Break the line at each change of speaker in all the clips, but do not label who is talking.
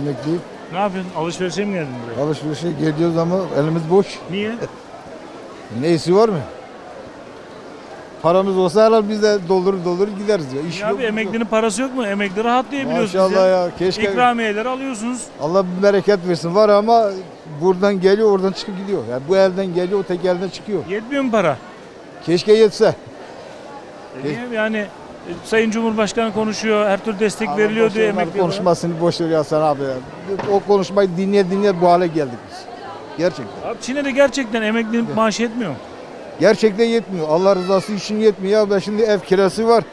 Emekliyim.
Ne yapıyorsun? Alışverişe mi geldin buraya?
Alışverişe geliyoruz ama elimiz boş.
Niye?
Neyisi var mı? Paramız olsa herhalde biz de doldurur gideriz ya. İş
Ya
yok,
abi
yok.
emeklinin parası yok mu? Emekli rahat diyebiliyorsunuz
Maşallah ya. Keşke
İkramiyeleri alıyorsunuz.
Allah bir bereket versin. Var ama buradan geliyor oradan çıkıp gidiyor. Yani bu elden geliyor o tek elden çıkıyor.
Yetmiyor mu para?
Keşke yetse.
Niye? Yani Sayın Cumhurbaşkanı konuşuyor, her türlü destek veriliyor diyor emekli
konuşmasını boş ver ya sen abi. Ya. O konuşmayı dinleye bu hale geldik biz. Gerçekten.
Abi Çin'e de gerçekten emeklinin maaşı yetmiyor mu?
Gerçekten yetmiyor. Allah rızası için yetmiyor. Ya ben şimdi ev kirası var.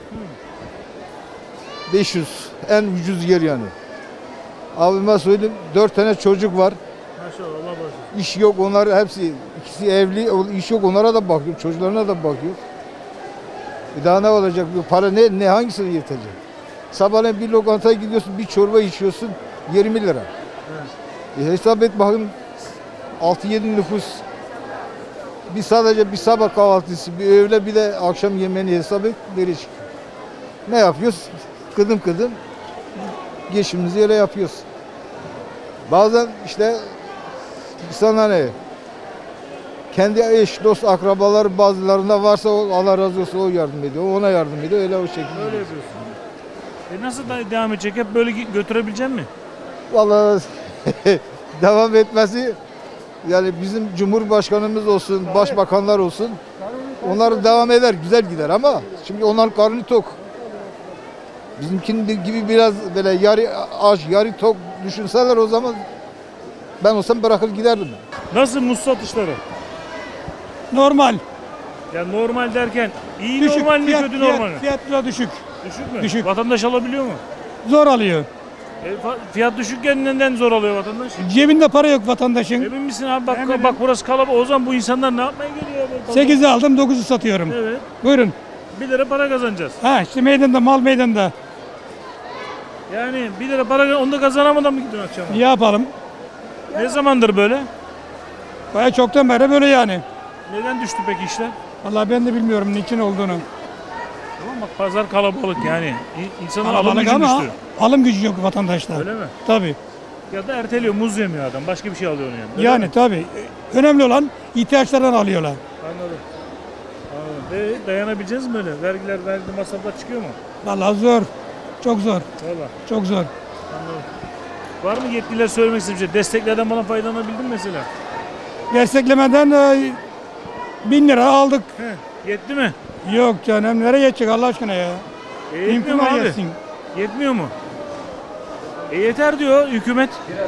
500 en ucuz yer yani. Abime söyleyeyim 4 tane çocuk var.
Maşallah Allah bağışlasın.
İş yok onlar hepsi ikisi evli iş yok onlara da bakıyor. Çocuklarına da bakıyor. Bir daha ne olacak? Bu para ne hangisine yetecek? Sabahleyin bir lokantaya gidiyorsun bir çorba içiyorsun 20 lira. Hesap et bakın 6-7 nüfus. Sadece bir sabah kahvaltısı, bir öğle bir de akşam yemeğini hesap et nereye çıkıyor? Ne yapıyoruz? Kıdım geçimimizi öyle yapıyoruz. Bazen işte sana ne? Kendi eş, dost, akrabalar bazılarında varsa Allah razı olsun o yardım ediyor. Ona yardım ediyor. Öyle o şekilde.
Öyle yapıyorsun. Nasıl devam edecek? Hep böyle götürebilecek mi?
Vallahi devam etmesi yani bizim Cumhurbaşkanımız olsun, başbakanlar olsun onlar devam eder, güzel gider ama şimdi onların karnı tok. Bizimkinin gibi biraz böyle yarı aç, yarı tok düşünseler o zaman ben olsam bırakır giderdim.
Nasıl muz satışları?
Normal.
Ya normal derken iyi
Düşük.
normal mi kötü normal mi?
Fiyat biraz düşük.
Düşük mü?
Düşük.
Vatandaş alabiliyor mu?
Zor alıyor.
Fiyat düşükken neden zor alıyor vatandaş?
Cebinde para yok vatandaşın.
Emin misin abi? Bak,
Eminim.
bak burası kalabalık. O zaman bu insanlar ne yapmaya geliyor?
8'i aldım 9'u satıyorum.
Evet.
Buyurun.
1 lira para kazanacağız.
Ha işte meydanda mal meydanda.
Yani 1 lira para onu da kazanamadan mı gidiyorsun akşam?
Ne yapalım?
Ne zamandır böyle?
Baya çoktan beri böyle yani.
Neden düştü peki işler?
Vallahi ben de bilmiyorum niçin olduğunu.
Tamam bak pazar kalabalık yani. İnsanlar alım
Kalabalık
gücü
ama
düştü.
alım gücü yok vatandaşta.
Öyle mi?
Tabii.
Ya da erteliyor muz yemiyor adam. Başka bir şey alıyor onu yani. Öyle
Yani
mi?
tabii. Önemli olan ihtiyaçlardan alıyorlar.
Anladım. Anladım. Dayanabileceğiz mi böyle? Vergi masraflar çıkıyor mu?
Vallahi zor. Çok zor.
Valla
Çok zor.
anladım. Var mı yetkililer söylemek istediği bir şey? Desteklerden bana faydalanabildin mi mesela?
Desteklemeden 1000 lira aldık.
Yetti mi?
Yok canım nereye yetecek Allah aşkına ya?
Yetmiyor mu
İmkan
abi?
yetsin.
Yetmiyor mu? Yeter diyor hükümet.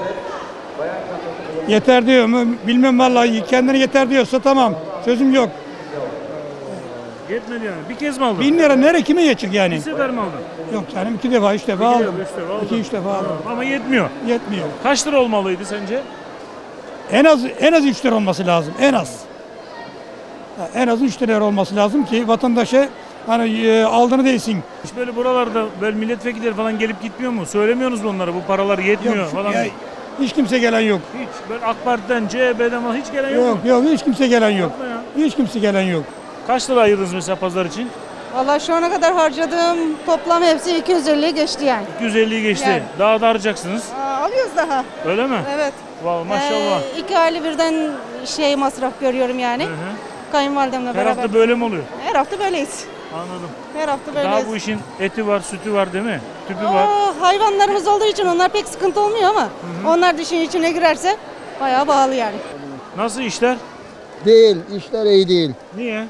Yeter diyor mu? Bilmem vallahi kendine yeter diyorsa tamam. Sözüm yok.
Yetmedi yani. Bir kez mi aldın?
1000 lira nereye kime yetecek
Bir
yani?
sefer mi aldın?
Yok canım 2 defa 3 defa
İki
aldım.
defa, üç defa aldın.
2-3 defa aldım.
Ama yetmiyor.
Yetmiyor.
Kaç lira olmalıydı sence?
En az 3 lira olması lazım. En az. En az 3 lira olması lazım ki vatandaşa hani aldığını değsin.
Hiç böyle buralarda böyle milletvekilleri falan gelip gitmiyor mu? Söylemiyorsunuz mu onlara bu paralar yetmiyor
Yok,
falan?
ya, hiç kimse gelen yok.
Hiç böyle AK Parti'den, CHP'den falan hiç gelen yok,
Yok
mu?
yok hiç kimse gelen yok.
Yapma ya.
Hiç kimse gelen yok.
Kaç lira ayırdınız mesela pazar için?
Valla şu ana kadar harcadığım toplam hepsi 250'yi geçti yani.
250'yi geçti.
Yani.
Daha da harcayacaksınız.
Alıyoruz daha.
Öyle mi?
Evet.
Vallahi maşallah.
2 aylı birden masraf görüyorum yani.
Hı hı.
Kayınvalidemle
Her
beraber.
hafta böyle mi oluyor?
Her hafta böyleyiz.
Anladım.
Her hafta böyleyiz.
Daha bu işin eti var, sütü var değil mi? Tüpü var.
Hayvanlarımız olduğu için onlar pek sıkıntı olmuyor ama onlar dişin içine girerse bayağı pahalı yani.
Nasıl işler?
Değil, işler iyi değil.
Niye?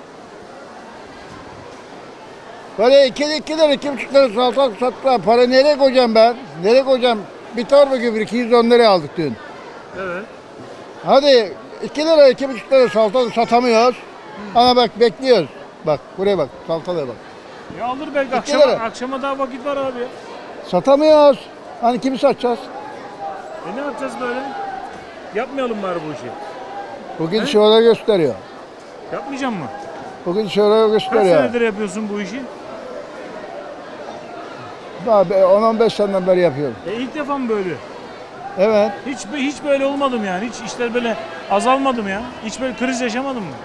Para 2 lira, 2,5 lira salatalık sattılar. Para nereye koyacağım ben? Nereye koyacağım? Bir torba gübre 210 liraya aldık dün.
Evet.
Hadi 2 lira, 2,5 lira salatalık satamıyoruz. Ama bak bekliyoruz. Bak buraya bak, salatalığa bak.
Ya alır belki
İki lira.
akşama daha vakit var abi ya.
Satamıyoruz. Hani kimi satacağız?
Ne yapacağız böyle? Yapmayalım bari bu işi.
Bugün şöyle gösteriyor.
Yapmayacağım mı?
Bugün şöyle
Kaç
gösteriyor.
senedir yapıyorsun bu işi?
Daha 10-15 seneden beri yapıyorum.
İlk defa mı böyle?
Evet.
Hiç böyle olmadım yani. Hiç işler böyle azalmadım ya. Hiç böyle kriz yaşamadım mı?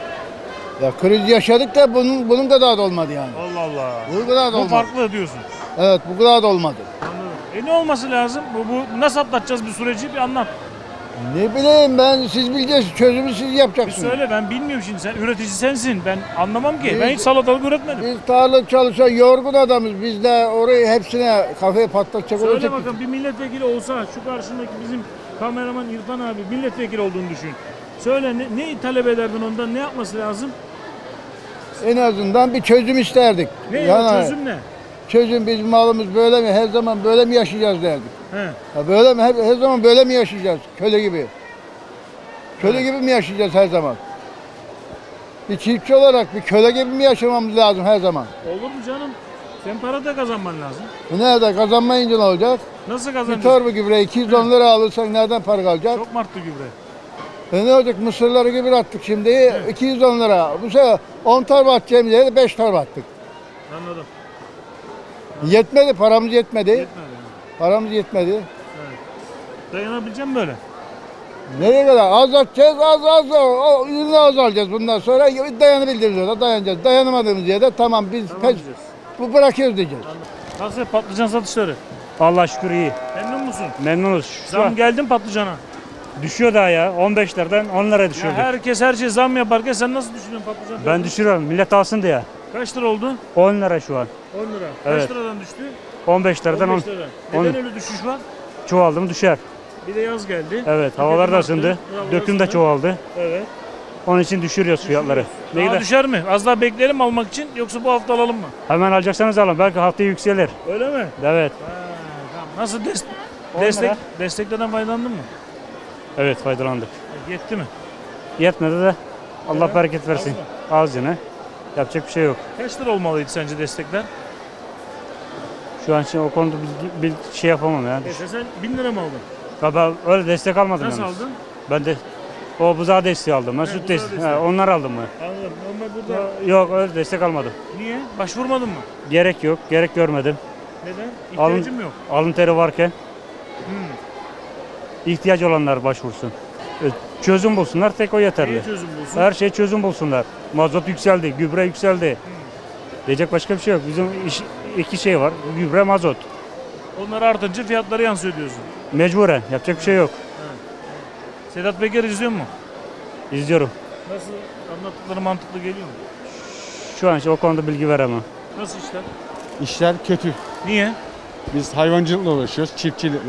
Ya kriz yaşadık da bunun kadar da olmadı yani.
Allah Allah.
Bunun kadar da
Bu
olmadı.
farklı diyorsun.
Evet bu kadar da olmadı.
Anladım. Ne olması lazım? Bu nasıl atlatacağız bir süreci bir anlat.
Ne bileyim ben siz bileceksiniz çözümü siz
Bir
yapacaksınız.
söyle ben bilmiyorum şimdi sen üretici sensin ben anlamam ki. Ben hiç salatalık üretmedim.
Biz tarla çalışan yorgun adamız. Biz de orayı hepsine kafayı patlatacak
Söyle
olacak.
bakalım bir milletvekili olsa şu karşındaki bizim kameraman İrfan abi milletvekili olduğunu düşün. Söyle ne talep ederdin ondan ne yapması lazım?
En azından bir çözüm isterdik.
Ne o çözüm ne?
Çözüm bizim malımız böyle mi? Her zaman böyle mi yaşayacağız derdik.
He.
Ha böyle mi? Her zaman böyle mi yaşayacağız? Köle gibi. Köle gibi mi yaşayacağız her zaman? Bir çiftçi olarak bir köle gibi mi yaşamamız lazım her zaman?
Olur mu canım? Sen para da kazanman lazım.
Nerede kazanmayınca ne olacak?
Nasıl
Bir
kazanacaksın?
torba gübre 210 lira alırsan nereden para kalacak?
Çok mu arttı gübre?
Ne olacak? Mısırları gübre attık şimdi 210 lira. Bu sefer 10 torba atacağımız yere 5 torba attık.
Anladım.
Yetmedi, paramız yetmedi.
Yetmedi. yani.
Paramız yetmedi.
Evet. Dayanabileceğim böyle.
Nereye kadar? Az atacağız, az. O ürünü az alacağız bundan sonra. Dayanabildiğimiz yerde dayanacağız. Dayanamadığımız yerde tamam biz
Tamam
pes,
diyeceğiz.
bu bırakıyoruz diyeceğiz.
Nasıl patlıcan satışları?
Allah şükür iyi.
Memnun musun?
Memnunuz. Şu
Zam
an
geldi mi patlıcana?
düşüyor daha ya. 15'lerden 10'lara
Ya
düşürdü.
herkes her şey zam yaparken sen nasıl düşünüyorsun patlıcan?
Ben
fiyatını?
düşürüyorum. Millet alsın diye.
Kaç lira oldu?
10 lira şu an.
10 lira.
Evet.
Kaç liradan düştü?
15'lerden 10.
15 lira. Neden
on-
öyle düşüş var?
Çoğaldım düşer.
Bir de yaz geldi.
Evet. Havalar da
Tüketim
ısındı.
arttı, havalar
Döküm de
ısındı.
çoğaldı.
Evet.
Onun için düşürüyoruz fiyatları.
Daha
Neyi de
düşer mi? Az daha bekleyelim mi almak için yoksa bu hafta alalım mı?
hemen alacaksanız alın. Belki haftaya yükselir.
Öyle mi?
Evet.
Tamam. Nasıl
10
destek
lira.
desteklerden faydalandın mı?
Evet faydalandık.
Yetti mi?
Yetmedi de Allah
Evet.
bereket versin. Az yine. Yapacak bir şey yok.
Kaç lira olmalıydı sence destekler?
Şu an için o konuda bir şey yapamam ya.
Sen 1000 lira mı aldın?
Ben öyle destek almadım
Nasıl
yalnız.
aldın?
Ben de o buzağı desteği aldım. Ben
He,
süt
buzağı
desteği.
desteği.
Onlar aldım ben.
Anladım. Ama burada
Yok öyle destek almadım.
niye? Başvurmadın mı?
Gerek yok, gerek görmedim.
Neden?
Alın-
İhtiyacım yok.
Alın teri varken
Hmm.
ihtiyaç olanlar başvursun. Çözüm bulsunlar, tek o yeterli.
Neye çözüm bulsun?
Her şey çözüm bulsunlar. Mazot yükseldi, gübre yükseldi. Diyecek başka bir şey yok. Bizim iki şey var, gübre, mazot.
Onlar artınca fiyatları yansıyor diyorsun.
Mecburen, yapacak bir şey yok.
Sedat Peker izliyor mu?
İzliyorum.
Nasıl anlattıkları mantıklı geliyor mu?
Şu an için o konuda bilgi veremem.
Nasıl işler?
İşler kötü.
Niye?
Biz hayvancılıkla uğraşıyoruz, çiftçilikle.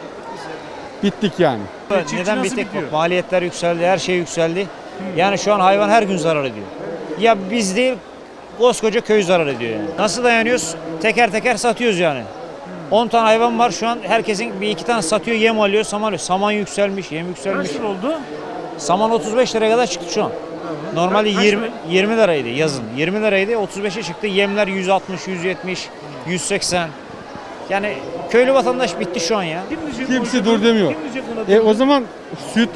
Bittik yani.
Çiftçi
Neden
nasıl
bittik?
bitiyor?
Maliyetler yükseldi, her şey yükseldi. Yani şu an hayvan her gün zarar ediyor. Ya biz değil, koskoca köy zarar ediyor yani. Nasıl dayanıyoruz? Teker teker satıyoruz yani. 10 tane hayvan var şu an herkesin bir iki tane satıyor, yem alıyor, saman alıyor. Saman yükselmiş, yem yükselmiş.
Kaç lira oldu?
Saman 35 liraya kadar çıktı şu an. Normalde
Kaç
20 liraydı yazın. 20 liraydı, 35'e çıktı. Yemler 160, 170, 180. Yani köylü vatandaş bitti şu an ya.
Kim diyecek
Kimse
buna?
dur demiyor.
Kim diyecek buna?
O zaman süt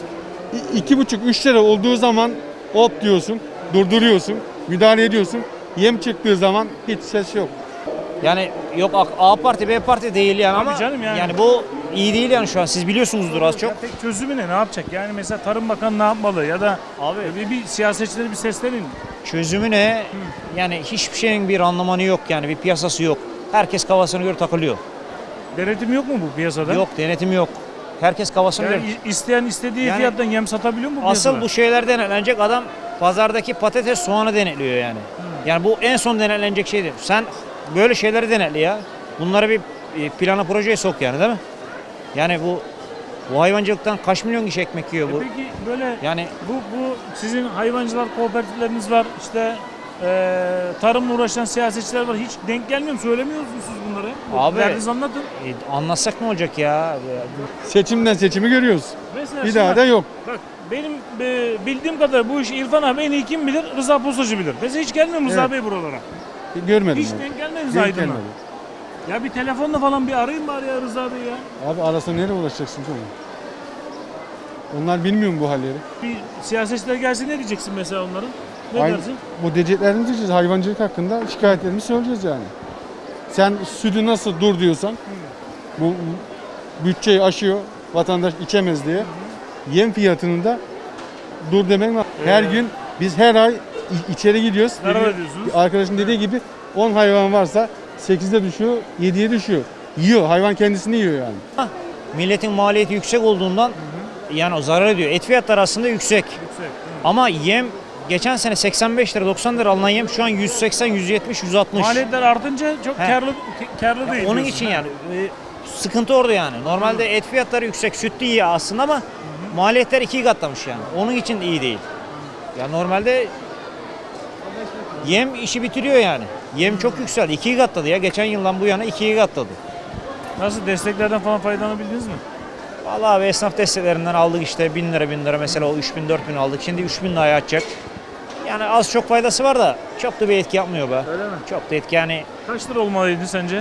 2,5-3 lira olduğu zaman hop diyorsun, durduruyorsun, müdahale ediyorsun. Yem çıktığı zaman hiç ses yok.
Yani yok A parti B parti değil yani
Tabii
ama
canım yani.
bu iyi değil yani şu an siz biliyorsunuzdur az çok.
Ya tek çözümü ne? Ne yapacak? Yani mesela Tarım Bakanı ne yapmalı? Ya da
Abi
bir siyasetçileri bir seslenin.
çözümü ne? Yani hiçbir şeyin bir anlamanı yok yani bir piyasası yok. Herkes kafasına göre takılıyor.
Denetim yok mu bu piyasada?
Yok denetim yok. Herkes kafasına
Yani
göre.
isteyen istediği
Yani
fiyattan yem satabiliyor mu bu
Asıl
piyasada?
bu şeyler denetlenecek adam pazardaki patates soğanı denetliyor yani. Yani bu en son denetlenecek şeydir. Sen böyle şeyleri denetli ya. Bunları bir plana projeye sok yani değil mi? Yani bu hayvancılıktan kaç milyon kişi ekmek yiyor bu?
Peki böyle
Yani
bu sizin hayvancılar kooperatifleriniz var. İşte tarımla uğraşan siyasetçiler var. Hiç denk gelmiyor mu? Söylemiyor musunuz siz bunları?
Abi-
Derdinizi anlatın.
anlatsak ne olacak ya?
Seçimden seçimi görüyoruz.
Mesela
Bir
şimdi
daha
bak,
da yok.
Bak benim bildiğim kadar bu işi İrfan abi en iyi kim bilir? Rıza Postacı bilir. Mesela hiç gelmiyor mu Rıza
Evet.
Bey buralara?
Görmedim.
Hiç
ben.
denk gelmediniz
Denk
Aydın'a.
gelmedi.
Ya bir telefonla falan bir arayın bari ya Rıza Bey ya.
Abi arasında nereye ulaşacaksın ki onu? Onlar bilmiyor mu bu halleri?
Bir siyasetçiler gelse ne diyeceksin mesela onların? Ne
Aynı-
dersin?
Bu diyeceklerimizi diyeceğiz. Hayvancılık hakkında şikayetlerimizi söyleyeceğiz yani. Sen sütü nasıl dur diyorsan, bu bütçeyi aşıyor, vatandaş içemez diye. Yem fiyatını da dur demek lazım. Her gün biz her ay içeri gidiyoruz.
Zarar ediyorsunuz.
Arkadaşın dediği gibi 10 hayvan varsa 8'de düşüyor, 7'ye düşüyor. Yiyor, hayvan kendisini yiyor yani.
Milletin maliyeti yüksek olduğundan yani o zarar ediyor. Et fiyatları aslında yüksek. Ama yem geçen sene 85 lira 90 lira alınan yem şu an 180, 170, 160.
Maliyetler artınca çok
He.
karlı değil.
Onun
diyorsun.
için yani sıkıntı orada yani. Normalde et fiyatları yüksek, süt de iyi aslında ama maliyetler 2 katlamış yani. Onun için iyi değil. Ya normalde yem işi bitiriyor yani. Yem çok yükseldi. 2 katladı ya. Geçen yıldan bu yana 2 katladı.
Nasıl desteklerden falan faydalanabildiniz mi?
Vallahi abi esnaf desteklerinden aldık işte 1000 lira 1000 lira mesela o 3000 4000 aldık. Şimdi 3000 liraya atacak. Yani az çok faydası var da çok da bir etki yapmıyor be.
Öyle mi?
Çok da etki yani
Kaç lira olmalıydı sence?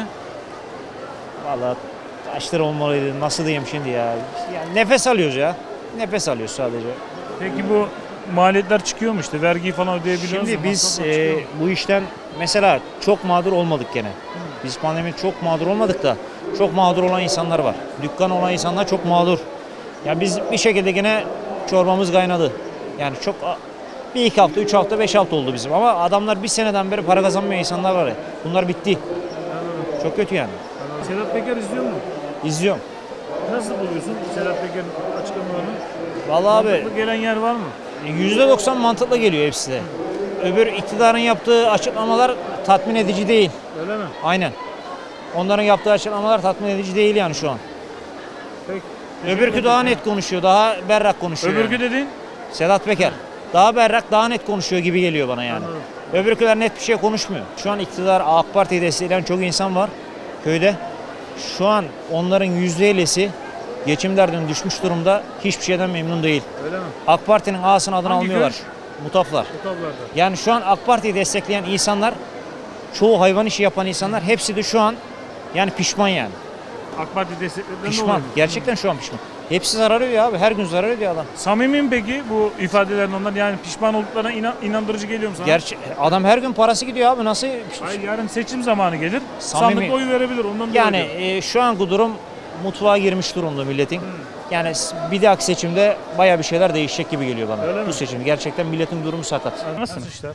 vallahi kaç lira olmalıydı nasıl diyeyim şimdi ya. Yani nefes alıyoruz ya. Nefes alıyoruz sadece.
Peki bu maliyetler çıkıyor mu işte? Vergiyi falan ödeyebiliyoruz
Şimdi
mu?
biz
Masraflar çıkıyor mu?
bu işten mesela çok mağdur olmadık gene. Biz pandemi çok mağdur olmadık da çok mağdur olan insanlar var. Dükkan olan insanlar çok mağdur. Ya biz bir şekilde gene çorbamız kaynadı. Yani çok bir iki hafta, 3 hafta, 5 hafta oldu bizim. Ama adamlar bir seneden beri para kazanmayan insanlar var ya. Bunlar bitti. Çok kötü yani.
Sedat Peker izliyor mu?
İzliyorum.
Nasıl buluyorsun Sedat Peker'in açıklamalarını?
Vallahi abi
Mantıklı gelen yer var mı?
%90 mantıklı geliyor hepsi de. Öbür iktidarın yaptığı açıklamalar tatmin edici değil.
Öyle mi?
Aynen. Onların yaptığı açıklamalar tatmin edici değil yani şu an.
Peki.
Öbürkü daha net konuşuyor, daha berrak konuşuyor.
Öbürkü
yani.
dediğin?
Sedat Peker. Daha berrak, daha net konuşuyor gibi geliyor bana yani.
Anladım.
Öbürküler net bir şey konuşmuyor. Şu an iktidar AK Parti'yi destekleyen çok insan var köyde. Şu an onların %50'si geçim derdine düşmüş durumda. Hiçbir şeyden memnun değil.
Öyle mi?
AK Parti'nin A'sını adını
Hangi
almıyorlar.
köy?
Mutaflar.
Bu tablarda.
Yani şu an AK Parti'yi destekleyen insanlar, çoğu hayvan işi yapan insanlar hepsi de şu an yani pişman yani.
AK Parti desteklerinden ne
Pişman.
oluyor?
Gerçekten şu an pişman. Hepsi zarar ediyor abi. Her gün zarar ediyor adam.
Samimi mi peki bu ifadelerin ondan yani pişman olduklarına inandırıcı geliyor mu sana?
Adam her gün parası gidiyor abi. Nasıl?
Hayır yarın seçim zamanı gelir.
Samimi.
Sandıkta oy verebilir ondan
Yani
dolayı.
şu anki durum mutfağa girmiş durumda milletin. Yani bir dahaki seçimde baya bir şeyler değişecek gibi geliyor bana.
Öyle
Bu
mi?
seçim gerçekten milletin durumu sakat.
Nasıl işler?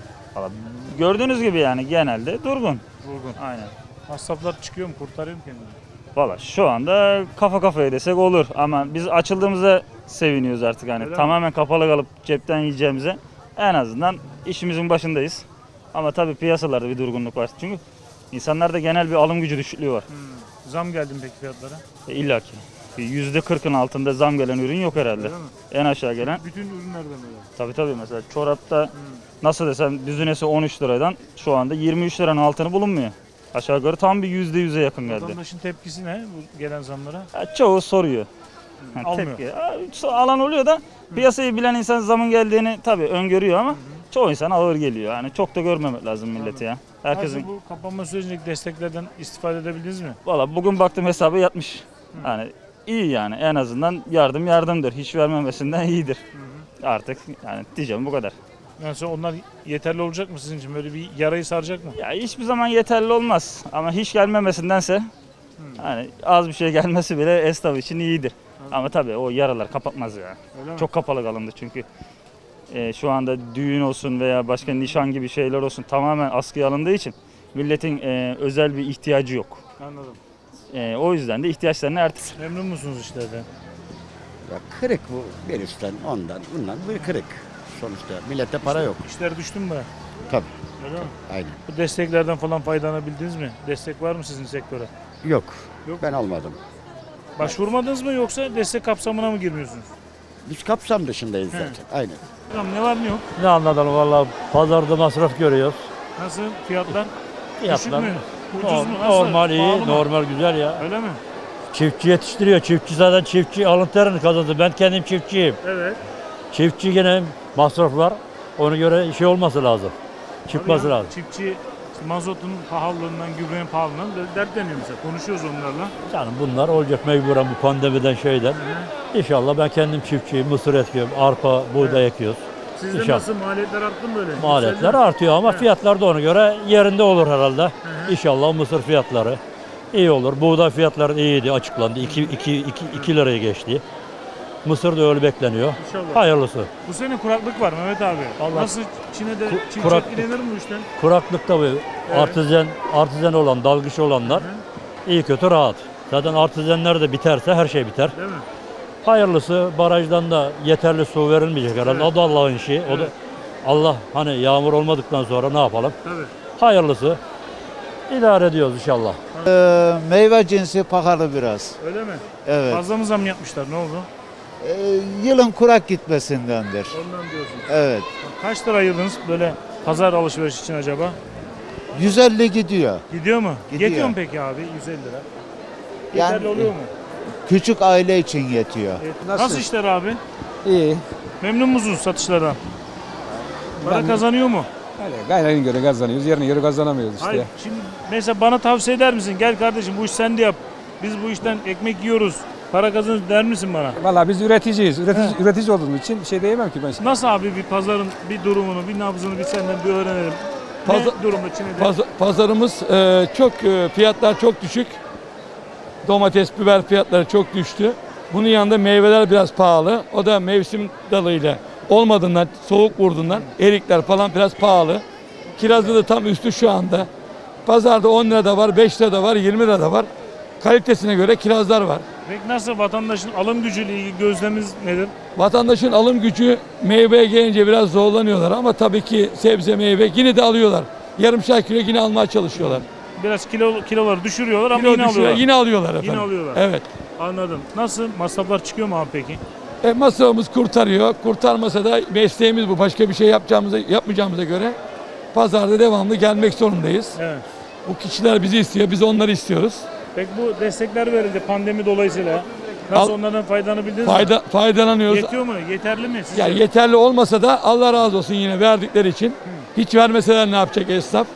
Gördüğünüz gibi yani genelde durgun.
Durgun.
Aynen.
Masraflar çıkıyor mu? Kurtarıyor mu kendini?
Valla şu anda kafa kafaya desek olur ama biz açıldığımıza seviniyoruz artık hani
Öyle mi?
tamamen kapalı kalıp cepten yiyeceğimize en azından işimizin başındayız. Ama tabii piyasalarda bir durgunluk var çünkü insanlarda genel bir alım gücü düşüklüğü var.
Zam geldi mi peki fiyatlara?
İlla ki %40'ın altında zam gelen ürün yok herhalde.
Öyle mi?
En aşağı gelen
Bütün ürünlerden öyle.
tabii mesela çorapta nasıl desem düzinesi 13 liradan şu anda 23 liranın altını bulunmuyor. Aşağı yukarı tam bir %100'e yakın geldi.
Vatandaşın tepkisi ne bu gelen zamlara?
Ya çoğu soruyor. Ha,
Almıyor.
tepki. Alan oluyor da piyasayı bilen insan zamın geldiğini tabii öngörüyor ama çoğu insan ağır geliyor. Yani çok da görmemek lazım milleti ya. Herkesin
Nasıl bu kapanma sürecindeki desteklerden istifade edebildiniz mi?
valla bugün baktım hesabı yatmış. Yani iyi yani en azından yardımdır. Hiç vermemesinden iyidir. Artık yani diyeceğim bu kadar.
Yani sonra onlar yeterli olacak mı sizin için? Böyle bir yarayı saracak mı?
Ya hiçbir zaman yeterli olmaz ama hiç gelmemesindense hani az bir şey gelmesi bile esnaf için iyidir. Ama tabii o yaralar kapatmaz ya.
Öyle mi?
Çok kapalı kalındı çünkü şu anda düğün olsun veya başka nişan gibi şeyler olsun tamamen askıya alındığı için milletin özel bir ihtiyacı yok.
Anladım.
O yüzden de ihtiyaçlarını ertesi.
Memnun musunuz işlerden?
Ya kırık bu virüsten ondan bundan bir kırık. Sonuçta millette para yok.
İşler düştü mü?
Tabii.
Öyle mi?
Aynen.
Bu desteklerden falan faydalanabildiniz mi? Destek var mı sizin sektöre?
Yok.
Yok.
Ben almadım.
Başvurmadınız mı yoksa destek kapsamına mı girmiyorsunuz?
Biz kapsam dışındayız zaten. Aynen.
Tamam ne var ne yok?
Ne anlatalım valla pazarda masraf görüyoruz.
Nasıl fiyatlar?
Fiyatlar
Düşük mü? Ucuz mu? Nasıl?
normal iyi,
Pahalı mı?
normal güzel ya.
Öyle mi?
Çiftçi yetiştiriyor. Çiftçi zaten çiftçi alın terini kazandı. Ben kendim çiftçiyim.
Evet.
Çiftçi gene masraflar ona göre şey olması lazım. Çıkması
Tabii ya,
lazım.
Çiftçi işte mazotun pahalılığından, gübrenin pahalılığından dertleniyor mesela. Konuşuyoruz onlarla.
Yani bunlar olacak mecburen bu pandemiden şeyden. İnşallah ben kendim çiftçiyim. Mısır ekiyorum, arpa, buğday ekiyoruz.
Sizde
İnşallah.
nasıl maliyetler arttı mı böyle?
Maliyetler
Yükseldi mi?
artıyor ama
Evet.
fiyatlar da ona göre yerinde olur herhalde. İnşallah mısır fiyatları iyi olur. Buğday fiyatları iyiydi, açıklandı. 2 liraya geçti. Mısır da öyle bekleniyor.
İnşallah.
Hayırlısı.
Bu sene kuraklık var Mehmet abi.
Allah-
Nasıl Çin'de çiftçilik
kuraklık.
ilenir mi bu işten?
Kuraklıkta bu artizan olan, dalgıç olanlar iyi kötü rahat. Zaten artizanlar da biterse her şey biter.
Değil mi?
Hayırlısı barajdan da yeterli su verilmeyecek herhalde.
Evet.
O da Allah'ın işi. O da
Evet.
Allah hani yağmur olmadıktan sonra ne yapalım?
Tabii.
Hayırlısı. İdare ediyoruz inşallah.
Meyve cinsi pahalı biraz.
Öyle mi?
Evet.
Fazla mı zam yapmışlar? Ne oldu?
Yılın kurak gitmesindendir.
Ondan diyorsunuz.
Evet.
Kaç lira ayırdınız böyle pazar alışveriş için acaba?
150 gidiyor.
Gidiyor mu?
Gidiyor.
Yetiyor mu peki abi 150 lira?
Yani-
Yeterli oluyor mu?
Küçük aile için yetiyor.
Nasıl işler abi?
İyi.
Memnun musunuz satışlardan? Para kazanıyor mu?
Öyle gayrına göre kazanıyoruz, yerine göre kazanamıyoruz işte.
Hayır. Şimdi mesela bana tavsiye eder misin? Gel kardeşim bu iş sen de yap. Biz bu işten ekmek yiyoruz. Para kazanıyoruz der misin bana?
Vallahi biz üreticiyiz. Üretici olduğumuz için bir şey diyemem ki ben şimdi.
Nasıl abi bir pazarın bir durumunu, bir nabzını bir senden bir öğrenelim. Ne durumda Çin'de?
Pazarımız çok fiyatlar çok düşük. Domates, biber fiyatları çok düştü. Bunun yanında meyveler biraz pahalı. O da mevsim dalıyla olmadığından, soğuk vurduğundan erikler falan biraz pahalı. Kirazlı da tam üstü şu anda. Pazarda 10 lira da var, 5 lira da var, 20 lira da var. Kalitesine göre kirazlar var.
Peki nasıl vatandaşın alım gücüyle ilgili gözlemimiz nedir?
Vatandaşın alım gücü meyveye gelince biraz zorlanıyorlar ama tabii ki sebze meyve yine de alıyorlar. Yarımşar kilo yine almaya çalışıyorlar.
Biraz kiloları düşürüyorlar ama
Kilo
yine
düşüyor,
alıyorlar.
yine alıyorlar efendim.
Yine alıyorlar.
Evet.
Anladım. Nasıl? Masraflar çıkıyor mu abi peki?
Masrafımız kurtarıyor. Kurtarmasa da mesleğimiz bu. Başka bir şey yapmayacağımıza göre pazarda devamlı gelmek zorundayız.
Evet.
Bu kişiler bizi istiyor, biz onları istiyoruz.
Peki bu destekler verildi pandemi dolayısıyla. Nasıl onlardan faydalanabildiniz mi?
Faydalanıyoruz.
Yetiyor mu? Yeterli mi sizce?
Yani yeterli olmasa da Allah razı olsun yine verdikleri için. Hiç vermeseler ne yapacak esnaf?